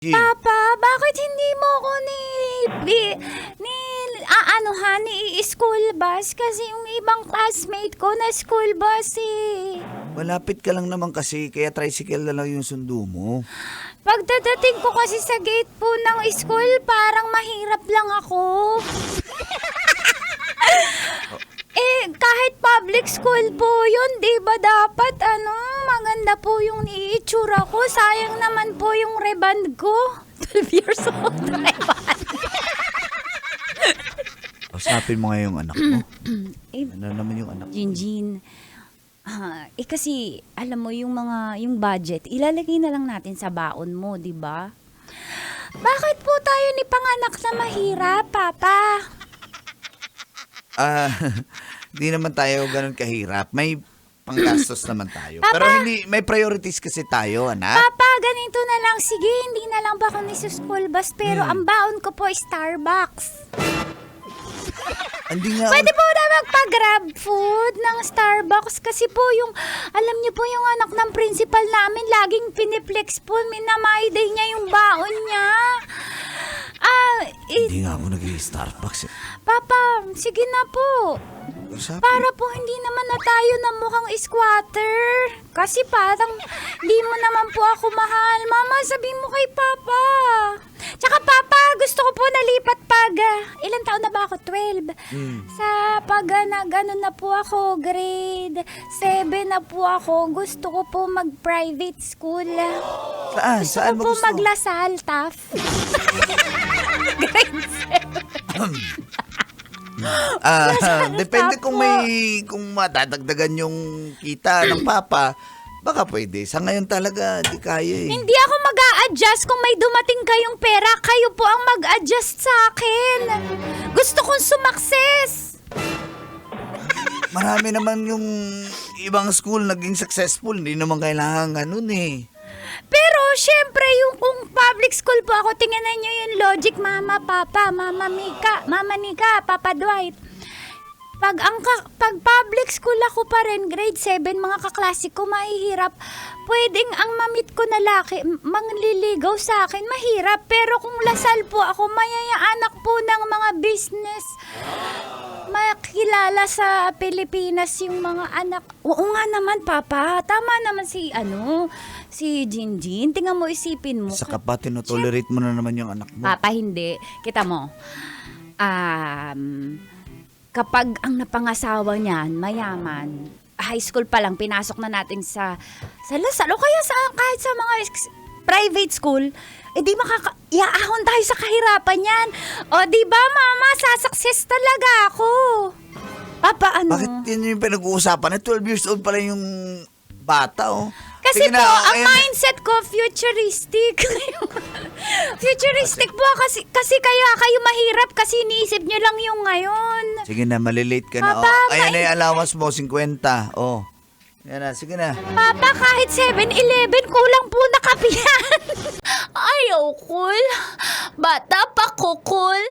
Jean, Papa, bakit hindi mo ako school bus? Kasi yung ibang classmate ko na school bus eh. malapit ka lang naman kasi, kaya tricycle na lang yung sundo mo. Pagdadating ko kasi sa gate po ng school, parang mahirap lang ako. Kahit public school po yun, di ba dapat maganda po yung itsura ko. Sayang naman po yung reband ko. 12 years old reband. Usapin mo nga yung anak mo. Ano naman yung anak mo? Jinjin, kasi alam mo yung budget, ilalagay na lang natin sa baon mo, di ba? Bakit po tayo ni panganak na mahirap, Papa? Di naman tayo ganun kahirap. May panggastos naman tayo. Papa! Pero hindi, may priorities kasi tayo, anak. Papa, ganito na lang. Sige, hindi na lang ba ako ni school bus, pero ang baon ko po Starbucks. Hindi nga. Pwede po na magpa-grab food ng Starbucks kasi po alam niyo po yung anak ng principal namin, laging piniplex po, minamay-day niya yung baon niya. Hindi nga ako nag-i-Starbucks eh. Papa, sige na po. Usapin. Para po hindi naman na tayo na mukhang squatter. Kasi parang di mo naman po ako mahal. Mama, sabihin mo kay Papa. Tsaka Papa, gusto ko po nalipat pag, ilang taon na ba ako? 12. Sa pag na po ako, grade 7 na po ako, gusto ko po mag-private school. Saan? Gusto Saan ko mo po gusto? maglasal, TAF. Grade 7. Depende Tapo. kung madadagdagan yung kita ng papa, baka pwede. Sa ngayon talaga, di kaya eh. Hindi ako mag-a-adjust kung may dumating kayong pera. Kayo po ang mag-adjust sa akin. Gusto kong sumakses. Marami naman yung ibang school naging successful. Hindi naman kailangan ganun eh. Pero syempre, yung kung public school po ako, tingnan nyo yung logic, Mama, Papa, Mama Mika, Mama Nika, Papa Dwight. Pag public school ako pa rin, grade 7, mga kaklase ko, mahihirap. Pwedeng ang mamit ko na laki, mangliligaw sa akin, mahirap. Pero kung lasal po ako, mayayaanak po ng mga business. Makilala sa Pilipinas yung mga anak. Oo nga naman, Papa. Tama naman si Jinjin. Tingnan mo, isipin mo. Saka pa tinotolerate mo na naman yung anak mo. Papa, hindi. Kita mo. Kapag ang napangasawa niyan, mayaman, high school pa lang, pinasok na natin sa Lasal o kaya kahit sa mga private school, di iaahon tayo sa kahirapan yan. O, di ba, Mama, sasakses talaga ako. Papa, Bakit yun yung pinag-uusapan? 12 years old pala yung bata, oh. Kasi Sige po, na, ang ayan. mindset ko, futuristic. Futuristic po kasi kaya kayo mahirap kasi iniisip nyo lang yung ngayon. Sige na, malilate ka na. Papa, Oh. Ayan na yung allowance mo, 50. Oh. Yan na, sige na. Papa, kahit 7-Eleven, kulang po na kapihan. Ayaw, cool. Bata pa ko, cool.